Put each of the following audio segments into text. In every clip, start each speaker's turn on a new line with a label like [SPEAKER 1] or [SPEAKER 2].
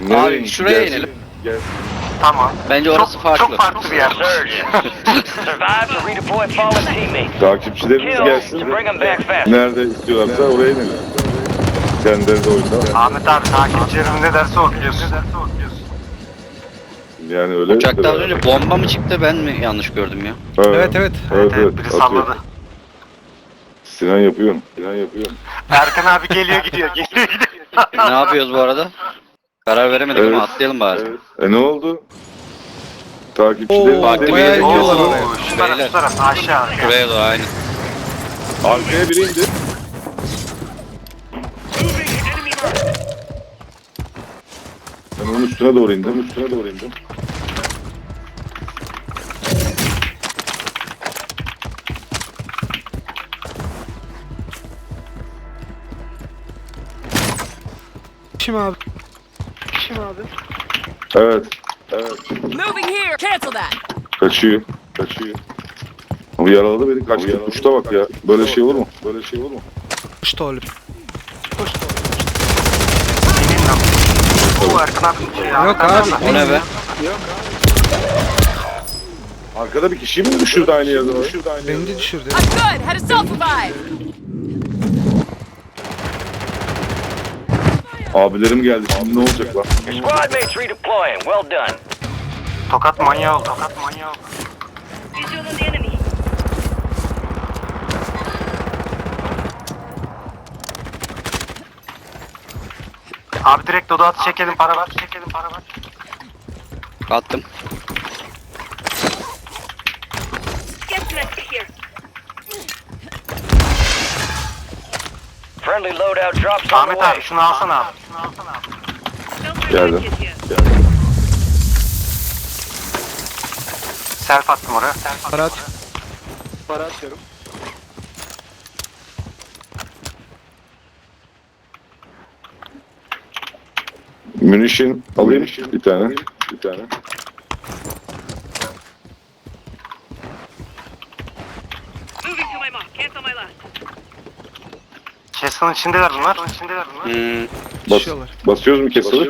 [SPEAKER 1] Abi şuraya inelim.
[SPEAKER 2] Gel.
[SPEAKER 3] Tamam.
[SPEAKER 1] Bence orası farklı.
[SPEAKER 3] Çok farklı bir yer.
[SPEAKER 4] Survive to redeploy fallen teammates.
[SPEAKER 2] Takipçilerimiz
[SPEAKER 4] Kill
[SPEAKER 2] gelsin.
[SPEAKER 4] to bring them back fast.
[SPEAKER 2] Nerede istiyorlarsa oraya inelim. Kendileri de oyunda.
[SPEAKER 3] Ahmet abi takipçilerim ne derse o biliyorsun.
[SPEAKER 2] Yani öyle.
[SPEAKER 1] Uçakta az önce bomba mı çıktı, ben mi yanlış gördüm ya?
[SPEAKER 2] Evet.
[SPEAKER 3] Evet, biri
[SPEAKER 2] atıyor.
[SPEAKER 3] salladı.
[SPEAKER 2] Sinan yapıyor.
[SPEAKER 3] Erkan abi geliyor gidiyor.
[SPEAKER 1] Ne yapıyoruz bu arada? Karar veremedik
[SPEAKER 2] Evet.
[SPEAKER 1] ama atlayalım bari.
[SPEAKER 2] Ne oldu? Takipçilerimiz
[SPEAKER 1] farklı bir
[SPEAKER 2] de-
[SPEAKER 1] yere gidiyorlar
[SPEAKER 3] Oo,
[SPEAKER 1] oraya.
[SPEAKER 3] şu taraf aşağı.
[SPEAKER 1] Şuraya doğru aynı.
[SPEAKER 2] Arkaya biri indi. Ben onun üstüne doğru indim.
[SPEAKER 3] Kim abi?
[SPEAKER 2] Evet.
[SPEAKER 5] Moving here. Cancel that.
[SPEAKER 2] Kaçıyor. Ama yaraladı beni. Kaçtı. Uçta bak ya. Böyle şey olur mu?
[SPEAKER 3] Что ли? Bu Erkan abi. Yok abi.
[SPEAKER 1] O ne be?
[SPEAKER 2] Arkada bir kişi mi düşürdü aynı yerde?
[SPEAKER 3] Beni de düşürdü.
[SPEAKER 5] I'm good. How to self-revive.
[SPEAKER 2] Abilerim geldi. Şimdi ne olacak lan?
[SPEAKER 4] Your squad mates redeploying. Well done.
[SPEAKER 3] Tokat manyağı oldu.
[SPEAKER 5] Visual on the enemy.
[SPEAKER 3] Abi direkt dodo atı çekelim para var.
[SPEAKER 1] Attım.
[SPEAKER 5] Get here.
[SPEAKER 4] Friendly loadout drops on the
[SPEAKER 3] Ahmet
[SPEAKER 4] way.
[SPEAKER 3] abi şunu alsana abi.
[SPEAKER 2] Geldim.
[SPEAKER 3] Self attım oraya.
[SPEAKER 6] Para atıyorum.
[SPEAKER 2] Munition alayım bir tane.
[SPEAKER 5] Moving to my mark. Cancel my last.
[SPEAKER 3] Chest'ın içindeler bunlar.
[SPEAKER 2] Basıyoruz mu kesili?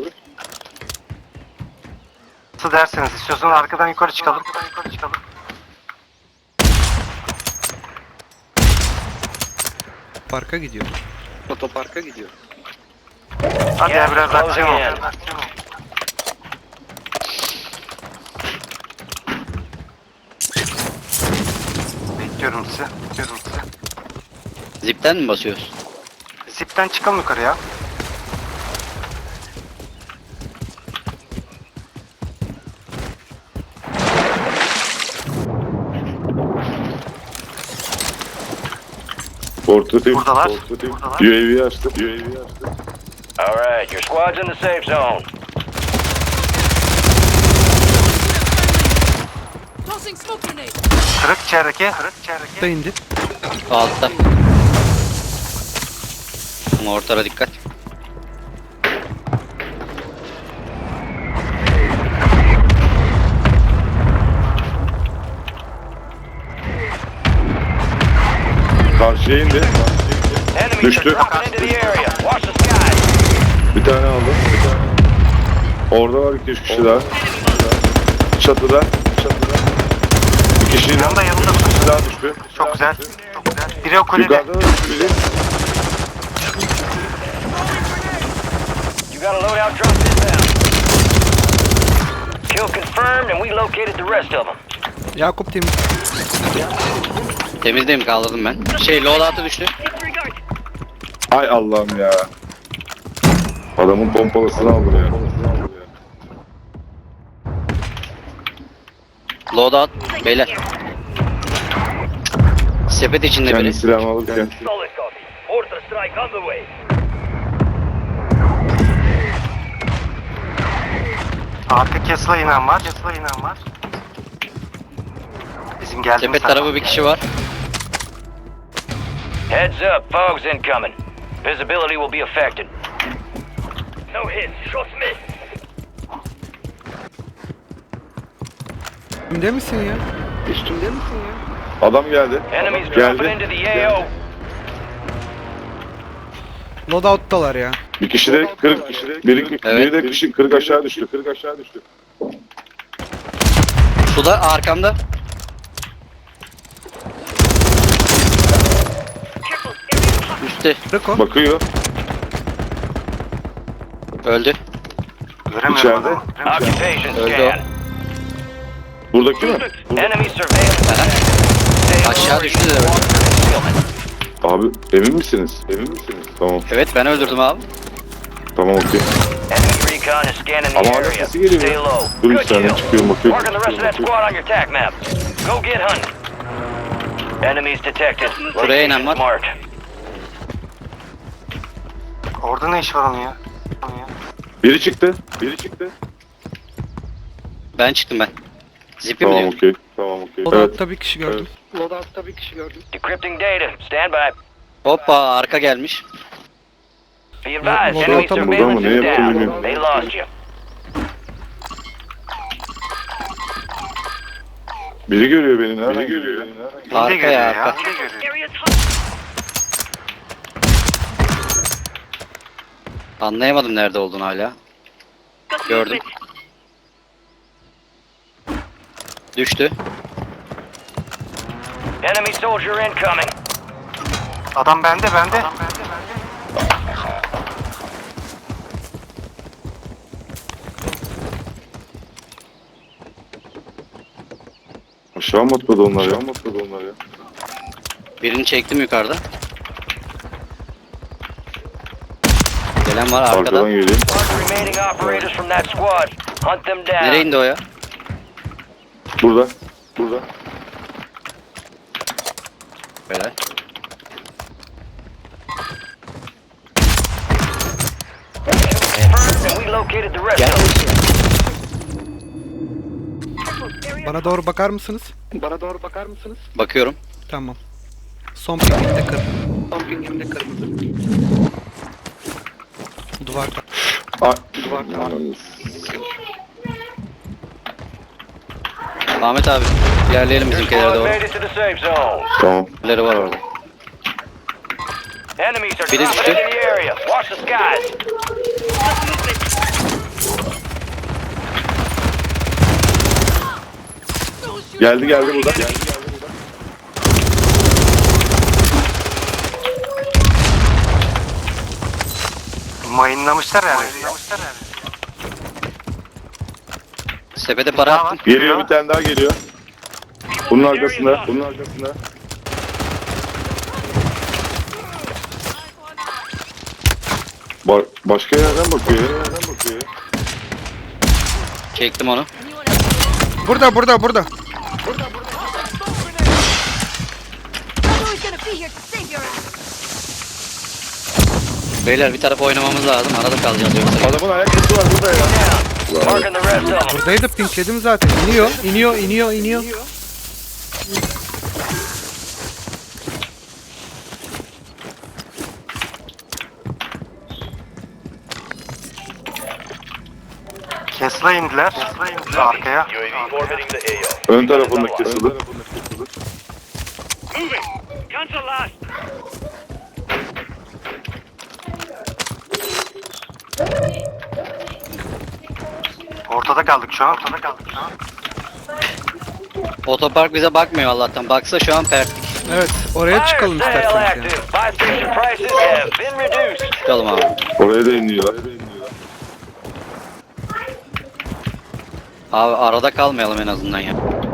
[SPEAKER 3] Nasıl derseniz istiyorsanız arkadan yukarı çıkalım.
[SPEAKER 6] Parka gidiyor.
[SPEAKER 1] Otoparka gidiyor.
[SPEAKER 3] Hadi ya biraz
[SPEAKER 4] Closing
[SPEAKER 3] akşam
[SPEAKER 4] in.
[SPEAKER 3] oldu. Bekliyorum sizi.
[SPEAKER 1] Zipten mi basıyoruz?
[SPEAKER 3] Zipten çıkalım yukarıya.
[SPEAKER 2] Portatif.
[SPEAKER 3] Buradalar.
[SPEAKER 2] UAV açtım.
[SPEAKER 4] All right, your squad's in the safe zone.
[SPEAKER 5] Tossing smoke grenade.
[SPEAKER 3] Kırık içerideki.
[SPEAKER 6] Da indi.
[SPEAKER 1] Altta. Ama ortara dikkat.
[SPEAKER 2] Karşıya indi.
[SPEAKER 4] Enemies are
[SPEAKER 2] Düştü.
[SPEAKER 4] dropping into the area. Watch the skies.
[SPEAKER 2] Bir tane aldım. Orada var 2-3 kişi daha. Çatıda. Bir kişi
[SPEAKER 3] Yanında
[SPEAKER 2] daha düştü.
[SPEAKER 3] Çok güzel. Biri o kulede.
[SPEAKER 2] Yukarıda da düştü biri.
[SPEAKER 4] You got a loadout drop inbound. Kill confirmed, and we located the rest of them.
[SPEAKER 6] Yakup temiz.
[SPEAKER 1] Temizdeyim, kaldırdım ben. Loadout'a düştü.
[SPEAKER 5] Disregard.
[SPEAKER 2] Ay Allah'ım ya. Adamın pompalısını aldım ya.
[SPEAKER 1] Loadout. Beyler. Sepet içinde
[SPEAKER 2] Kendi
[SPEAKER 1] biri.
[SPEAKER 2] silahımı alırken.
[SPEAKER 4] Solid copy. Mortar strike on the way.
[SPEAKER 3] Arka Kesla inen var. Bizim geldiğimiz
[SPEAKER 1] Sepet tarafı bir kişi var.
[SPEAKER 4] Heads up, fog's incoming. Visibility will be affected. No hits, shots missed.
[SPEAKER 6] Üstümde misin ya?
[SPEAKER 2] Adam geldi.
[SPEAKER 4] Enemies dropping into the AO.
[SPEAKER 6] Loadout'talar ya.
[SPEAKER 2] Bir kişi de kırık. Biri de kişi kırık aşağı düştü.
[SPEAKER 1] Suda arkamda.
[SPEAKER 5] Careful. Area's hot.
[SPEAKER 1] Üstte.
[SPEAKER 6] Kırık o.
[SPEAKER 2] Bakıyor.
[SPEAKER 1] Öldü.
[SPEAKER 3] Göremiyorum
[SPEAKER 2] İçeride.
[SPEAKER 3] adamı.
[SPEAKER 4] Occupation
[SPEAKER 1] Öldü
[SPEAKER 4] scan.
[SPEAKER 2] Buradaki mi?
[SPEAKER 4] Enemy surveillance. Stay
[SPEAKER 1] Aşağı
[SPEAKER 4] alert.
[SPEAKER 1] düştü de öldü.
[SPEAKER 2] Abi emin misiniz? Tamam.
[SPEAKER 1] Evet ben öldürdüm abi.
[SPEAKER 2] Tamam okey.
[SPEAKER 4] Enemy recon is scanning the
[SPEAKER 2] Ama hala
[SPEAKER 4] area.
[SPEAKER 2] sesi geliyor
[SPEAKER 4] Stay
[SPEAKER 2] ya.
[SPEAKER 4] low.
[SPEAKER 2] Dur
[SPEAKER 4] Good
[SPEAKER 2] bir saniye
[SPEAKER 4] kill.
[SPEAKER 2] çıkıyorum bakıyorum.
[SPEAKER 4] Marking the rest of that squad on your attack map. Go get hunting. Enemies detected.
[SPEAKER 1] Buraya inen var.
[SPEAKER 4] Marked.
[SPEAKER 3] Orada ne iş var onun ya?
[SPEAKER 2] Biri çıktı.
[SPEAKER 1] Ben çıktım ben. Zipi mi
[SPEAKER 2] Tamam
[SPEAKER 1] diyor?
[SPEAKER 2] okey.
[SPEAKER 6] O da
[SPEAKER 2] Evet.
[SPEAKER 6] altta bir kişi gördüm.
[SPEAKER 4] Decrypting data. Stand by.
[SPEAKER 1] Hoppa arka gelmiş.
[SPEAKER 4] Be advised,
[SPEAKER 6] Burada
[SPEAKER 4] enemy
[SPEAKER 6] tam
[SPEAKER 4] surveillance
[SPEAKER 2] burada mı?
[SPEAKER 4] is
[SPEAKER 2] Ne yaptığını
[SPEAKER 4] down.
[SPEAKER 2] bilmiyorum.
[SPEAKER 4] They lost you.
[SPEAKER 2] Biri görüyor beni. Nereden görüyor?
[SPEAKER 1] Arka
[SPEAKER 3] görüyor
[SPEAKER 1] ya
[SPEAKER 3] ya.
[SPEAKER 1] arka.
[SPEAKER 3] Yine görüyor.
[SPEAKER 5] Area's hot.
[SPEAKER 1] Anlayamadım nerede olduğunu hala.
[SPEAKER 5] Got
[SPEAKER 1] Gördüm.
[SPEAKER 5] movement.
[SPEAKER 1] Düştü.
[SPEAKER 4] Enemy soldier incoming.
[SPEAKER 3] Adam bende.
[SPEAKER 2] Aşağı mı atladı onlar ya?
[SPEAKER 1] Birini çektim yukarıda. Gelen var arkada.
[SPEAKER 2] Arkadan geliyor.
[SPEAKER 4] Mark remaining operators from that squad. Hunt them down.
[SPEAKER 1] Nereye indi o ya?
[SPEAKER 2] Burada.
[SPEAKER 1] Böyle.
[SPEAKER 4] Confirmed, and we located the rest
[SPEAKER 1] Gel.
[SPEAKER 4] of them.
[SPEAKER 5] Careful. Area's
[SPEAKER 6] Bana doğru bakar mısınız?
[SPEAKER 1] Bakıyorum.
[SPEAKER 6] Tamam. Son pingimde kırmızı. Duvarda.
[SPEAKER 1] Ahmet abi. İlerleyelim
[SPEAKER 4] Your
[SPEAKER 1] bizimkilere
[SPEAKER 4] squad
[SPEAKER 1] doğru.
[SPEAKER 4] made it to the safe zone.
[SPEAKER 2] Tamam.
[SPEAKER 1] Birileri var orada.
[SPEAKER 4] Enemies are
[SPEAKER 1] Biri
[SPEAKER 4] dropping
[SPEAKER 1] düştü.
[SPEAKER 4] into the area. Watch the skies.
[SPEAKER 5] got movement.
[SPEAKER 2] Geldi burada.
[SPEAKER 3] Mayınlamışlar yani.
[SPEAKER 1] Sepete para attım.
[SPEAKER 2] Geliyor bir tane daha geliyor. Bunun arkasında. Başka yerden bakıyor.
[SPEAKER 1] Çektim onu.
[SPEAKER 6] Burada.
[SPEAKER 5] Bravo is gonna be here to save your ass.
[SPEAKER 1] Beyler bir tarafa oynamamız lazım. Arada kalacağız yoksa.
[SPEAKER 2] Adamın ayakkabısı var burada ya.
[SPEAKER 4] Marking the rest of them.
[SPEAKER 6] Buradaydı pinkledim zaten. İniyor.
[SPEAKER 3] Kesla indiler. Arkaya.
[SPEAKER 4] UAV orbiting the AO.
[SPEAKER 2] Ön tarafında kesildi.
[SPEAKER 5] Moving. Cancel last.
[SPEAKER 3] Ortada kaldık şu an.
[SPEAKER 1] Otopark bize bakmıyor Allah'tan. Baksa şu an pertlik.
[SPEAKER 6] Evet. Oraya çıkalım
[SPEAKER 4] Fire sale
[SPEAKER 6] isterseniz yani.
[SPEAKER 4] active. Buy station prices have been reduced.
[SPEAKER 1] Çıkalım abi.
[SPEAKER 2] Oraya da iniyorlar.
[SPEAKER 1] Abi arada kalmayalım en azından ya.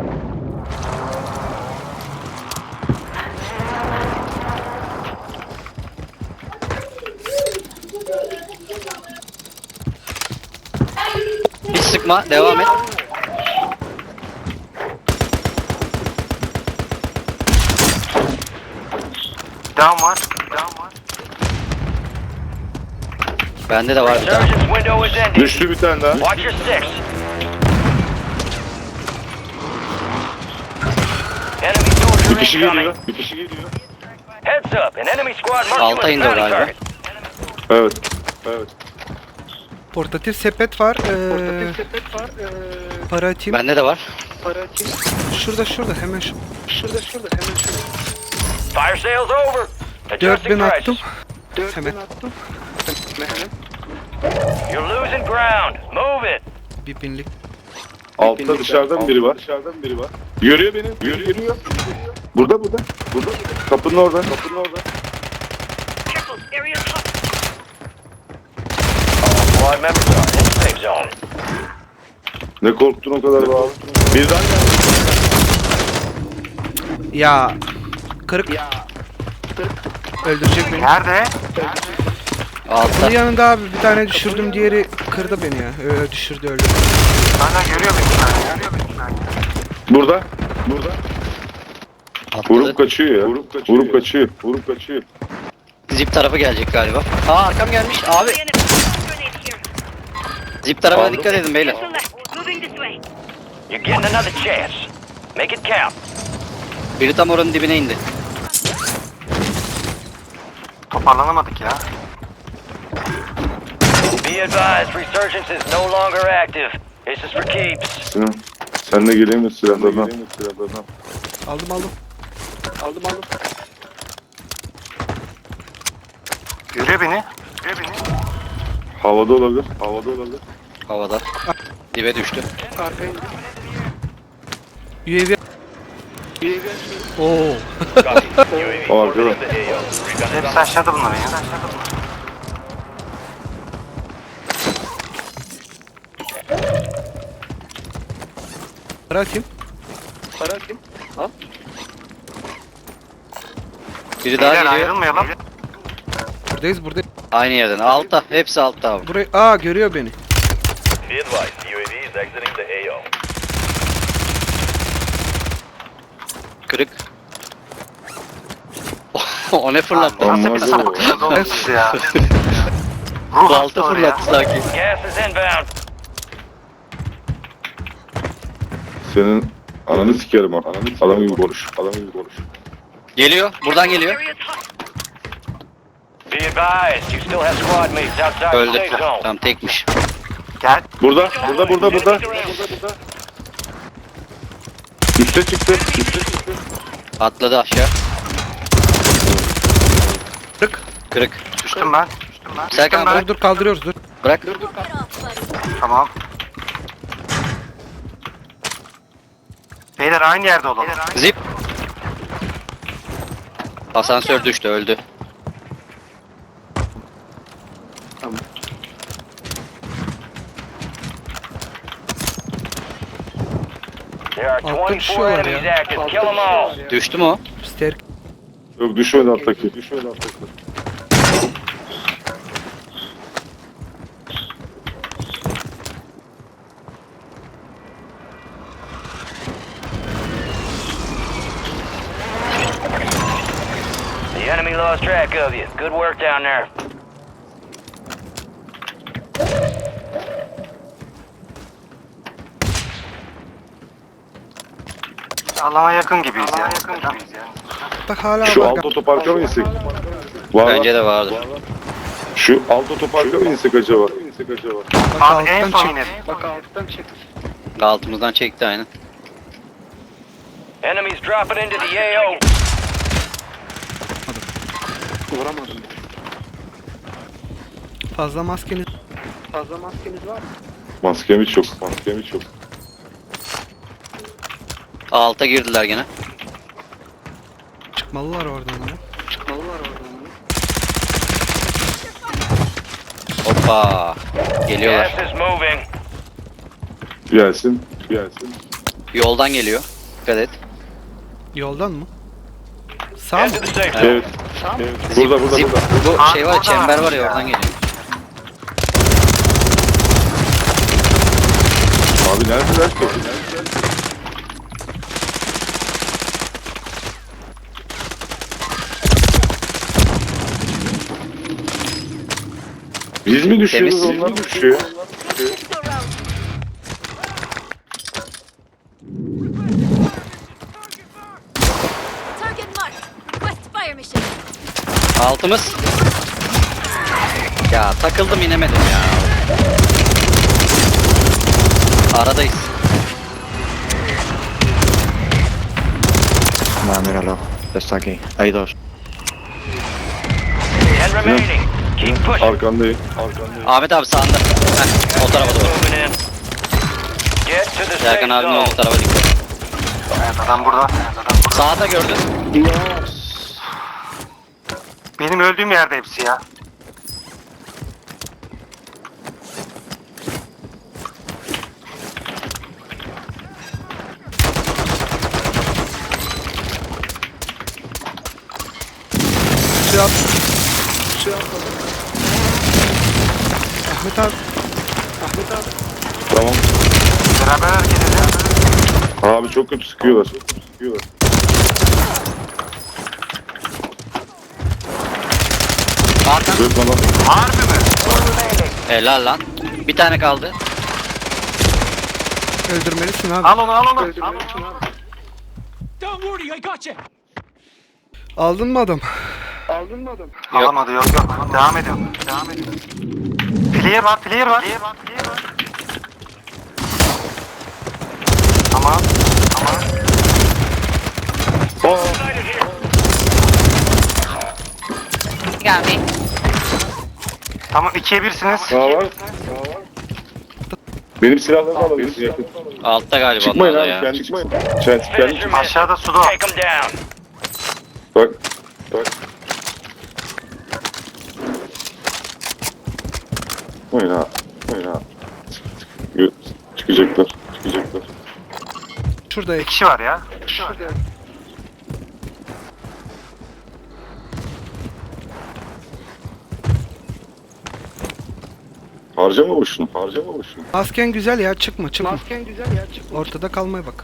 [SPEAKER 1] Hiç sıkma, devam et.
[SPEAKER 3] Down var.
[SPEAKER 1] Bende de var bir tane.
[SPEAKER 4] Resurgence window is ending.
[SPEAKER 2] Düştü bir tane daha.
[SPEAKER 4] Watch your six. Enemy soldier
[SPEAKER 2] Bir kişi
[SPEAKER 4] incoming.
[SPEAKER 2] geliyor.
[SPEAKER 4] Heads up, an enemy squad marked you
[SPEAKER 1] Alta
[SPEAKER 4] as
[SPEAKER 1] indi o
[SPEAKER 4] bounty
[SPEAKER 1] galiba.
[SPEAKER 4] target.
[SPEAKER 2] Evet.
[SPEAKER 6] Portatif sepet var. Para atayım.
[SPEAKER 1] Bende de var.
[SPEAKER 6] Şurada. Hemen şu.
[SPEAKER 4] Fire sales over.
[SPEAKER 6] 4000
[SPEAKER 4] Adjusting
[SPEAKER 6] attım.
[SPEAKER 4] prices.
[SPEAKER 6] Hemen.
[SPEAKER 4] You're losing ground. Move it.
[SPEAKER 6] Bir binlik.
[SPEAKER 2] Altta dışarıdan biri var. Görüyor beni. Görüyor. Burada. Kapının orada.
[SPEAKER 5] Careful, area's hot.
[SPEAKER 4] Squad members are in safe zone.
[SPEAKER 2] Ne korktun o kadar be abi. Birden geldi.
[SPEAKER 6] Ya. Kırık. Öldürecek beni.
[SPEAKER 3] Nerede?
[SPEAKER 1] Altta.
[SPEAKER 6] Bunun yanında abi bir tane düşürdüm, diğeri kırdı beni ya. Düşürdü, öldü.
[SPEAKER 3] Hala görüyor beni şu an.
[SPEAKER 2] Burada.
[SPEAKER 1] Atladı.
[SPEAKER 2] Vurup kaçıyor ya. Vurup kaçıyor.
[SPEAKER 1] Zip tarafı gelecek galiba. Arkam gelmiş abi.
[SPEAKER 5] Enemy. Grenade here.
[SPEAKER 1] Zip tarafına
[SPEAKER 2] Aldım.
[SPEAKER 1] dikkat edin beyler.
[SPEAKER 5] To left. Moving this way.
[SPEAKER 4] You're getting another chance. Make it count.
[SPEAKER 1] Biri tam oranın dibine indi.
[SPEAKER 3] Toparlanamadık ya.
[SPEAKER 4] Be advised, resurgence is no longer active. This is for keeps.
[SPEAKER 2] Sinan. Sen de geleyim mi silahlarına?
[SPEAKER 6] Aldım.
[SPEAKER 3] Görüyor beni.
[SPEAKER 2] Havada olabilir.
[SPEAKER 1] Havada. Dibe düştü.
[SPEAKER 6] UAV. Oo.
[SPEAKER 2] O arkada.
[SPEAKER 3] Hepsi aşağıda bunların ya.
[SPEAKER 6] Para atayım.
[SPEAKER 1] Biri daha
[SPEAKER 3] Beyler
[SPEAKER 1] geliyor.
[SPEAKER 3] ayrılmayalım.
[SPEAKER 6] Buradayız.
[SPEAKER 1] Aynı yerden. Altta. Hepsi altta abi.
[SPEAKER 6] Burayı görüyor beni.
[SPEAKER 4] Be advised, UAV is exiting the AO.
[SPEAKER 1] Kırık. O ne fırlattı?
[SPEAKER 2] Amma
[SPEAKER 3] Nasıl bir
[SPEAKER 2] da-
[SPEAKER 3] sapıksınız oğlum siz ya. Ruh
[SPEAKER 1] Balta
[SPEAKER 3] hastası oraya.
[SPEAKER 1] fırlattı sanki.
[SPEAKER 4] Gas is inbound.
[SPEAKER 2] Senin ananı sikerim ha. Adam gibi konuş.
[SPEAKER 1] Geliyor. Buradan geliyor.
[SPEAKER 5] Area's hot.
[SPEAKER 4] Be advised, you still have squad mates outside the
[SPEAKER 1] Öldü.
[SPEAKER 4] safe zone.
[SPEAKER 1] Tamam tekmiş.
[SPEAKER 3] Gel.
[SPEAKER 2] Burada. Üste çıktı.
[SPEAKER 1] Atladı aşağı.
[SPEAKER 6] Kırık.
[SPEAKER 1] Kırık.
[SPEAKER 3] Düştüm ben.
[SPEAKER 1] Serkan
[SPEAKER 3] ben.
[SPEAKER 6] Dur kaldırıyoruz, dur.
[SPEAKER 1] bırak.
[SPEAKER 3] Tamam. Beyler aynı yerde olalım.
[SPEAKER 1] Zip. Asansör düştü, öldü.
[SPEAKER 4] There are
[SPEAKER 6] Altta
[SPEAKER 4] 24
[SPEAKER 6] düşüyorlar
[SPEAKER 4] enemies
[SPEAKER 6] ya.
[SPEAKER 4] active. Kill them all.
[SPEAKER 1] Düştü mü o?
[SPEAKER 6] Ster.
[SPEAKER 2] Yok düşmedi alttaki.
[SPEAKER 4] The enemy lost track of you. Good work down there.
[SPEAKER 3] Allah'a yakın gibiyiz ya.
[SPEAKER 6] Bak hala
[SPEAKER 2] Şu
[SPEAKER 6] var.
[SPEAKER 2] alt otoparka mı insek? Var.
[SPEAKER 1] Bence de vardı.
[SPEAKER 2] Şu alt otoparka mı insek acaba?
[SPEAKER 6] Bak
[SPEAKER 3] Abi en
[SPEAKER 6] alttan
[SPEAKER 3] son
[SPEAKER 6] çık.
[SPEAKER 3] inelim.
[SPEAKER 1] Altımızdan çekti aynen.
[SPEAKER 4] Enemies dropping into the AO.
[SPEAKER 6] Fazla maskeniz.
[SPEAKER 2] Maskem hiç yok.
[SPEAKER 1] Alta girdiler gene.
[SPEAKER 6] Çıkmalılar oradan ya.
[SPEAKER 1] Hoppa. Geliyorlar.
[SPEAKER 4] Gas is moving.
[SPEAKER 2] Gelsin.
[SPEAKER 1] Yoldan geliyor. Dikkat et.
[SPEAKER 6] Yoldan mı? Sağ
[SPEAKER 4] Head
[SPEAKER 6] mı?
[SPEAKER 4] to the safe zone.
[SPEAKER 2] Evet. Burada.
[SPEAKER 1] Zip. Bu
[SPEAKER 3] Abi
[SPEAKER 1] şey var,
[SPEAKER 3] burada
[SPEAKER 1] çember
[SPEAKER 3] var.
[SPEAKER 1] var ya, oradan geliyor.
[SPEAKER 2] Abi neredeler ki? Biz mi düşüyoruz,
[SPEAKER 1] Temiz.
[SPEAKER 2] onlar mı düşüyor?
[SPEAKER 5] Go round.
[SPEAKER 7] Target marked. Request fire mission.
[SPEAKER 1] Altımız. Ya takıldım, inemedim ya. Aradayız.
[SPEAKER 8] Nada, míralo. Está aquí. Hay dos.
[SPEAKER 4] 10 remaining. Keep Keep pushing.
[SPEAKER 2] Arkandayım.
[SPEAKER 1] Ahmet abi sağında. Heh, o tarafa doğru.
[SPEAKER 4] Moving in. Get to the safe
[SPEAKER 1] Serkan abinin
[SPEAKER 4] zone.
[SPEAKER 1] olduğu tarafa dikkat.
[SPEAKER 3] Evet adam burada.
[SPEAKER 1] Sağda gördün.
[SPEAKER 3] Benim öldüğüm yerde hepsi ya.
[SPEAKER 6] Şey yap. Ahmet abi.
[SPEAKER 2] Tamam.
[SPEAKER 3] Beraber hareket edelim.
[SPEAKER 2] Abi çok kötü sıkıyorlar.
[SPEAKER 1] Arkan.
[SPEAKER 2] Zırh lan.
[SPEAKER 3] Harbi mi?
[SPEAKER 1] Helal lan. Bir tane kaldı.
[SPEAKER 6] Öldürmelisin abi.
[SPEAKER 3] Al onu al onu. Al onu.
[SPEAKER 6] Aldın mı adam?
[SPEAKER 3] Alamadı yok yok. Devam ediyorum. Player var. Tamam. Tamam 2'ye 1'siniz.
[SPEAKER 2] Sağ var. Benim silahlarımı alabilirsin yakın.
[SPEAKER 1] Altta galiba
[SPEAKER 2] Çıkmayın
[SPEAKER 1] onlar
[SPEAKER 2] abi
[SPEAKER 1] ya.
[SPEAKER 2] kendi çıkmayın. Kendi çıkmayın.
[SPEAKER 3] Aşağıda suda.
[SPEAKER 4] Take them down.
[SPEAKER 2] Bak. Oyun ha. Çıkacaklar.
[SPEAKER 6] Şurada
[SPEAKER 3] 2 kişi var ya.
[SPEAKER 2] Harcama boşuna.
[SPEAKER 6] Masken güzel ya, çıkma. Ortada kalmaya bak.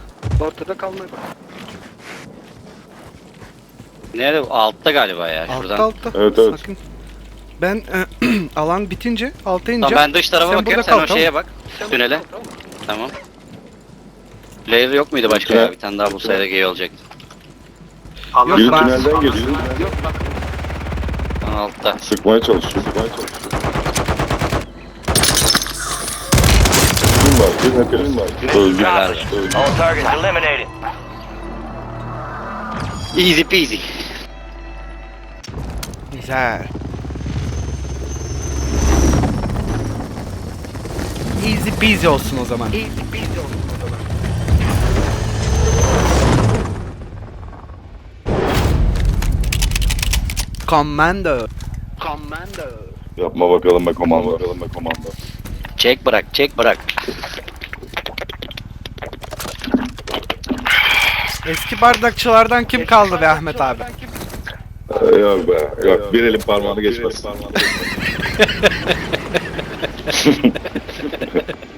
[SPEAKER 1] Nerede? Altta galiba ya. Şuradan.
[SPEAKER 6] Altta.
[SPEAKER 2] Evet.
[SPEAKER 6] Sakın. Ben alan bitince alta ineceğim.
[SPEAKER 1] Tamam ben dış tarafa bakıyorum.
[SPEAKER 6] burada
[SPEAKER 1] Sen
[SPEAKER 6] kal,
[SPEAKER 1] o şeye bak. Tünele. Tamam. Layer yok muydu başka ya? Bir tane daha bulsaydık iyi olacaktı.
[SPEAKER 3] Allah
[SPEAKER 2] Biri
[SPEAKER 6] ben-
[SPEAKER 2] tünelden geliyor.
[SPEAKER 1] Lan altta.
[SPEAKER 2] Sıkmaya çalışıyor. Kim var? Öldü.
[SPEAKER 4] Accomplished. All targets eliminated.
[SPEAKER 1] Easy peasy.
[SPEAKER 6] Güzel. Easy peasy olsun o zaman. Commando.
[SPEAKER 2] Yapma bakalım be komando.
[SPEAKER 1] Çek bırak.
[SPEAKER 6] Eski bardakçılardan kim kaldı be Ahmet abi?
[SPEAKER 2] Yok be. Yok bir elin parmağını geçmez.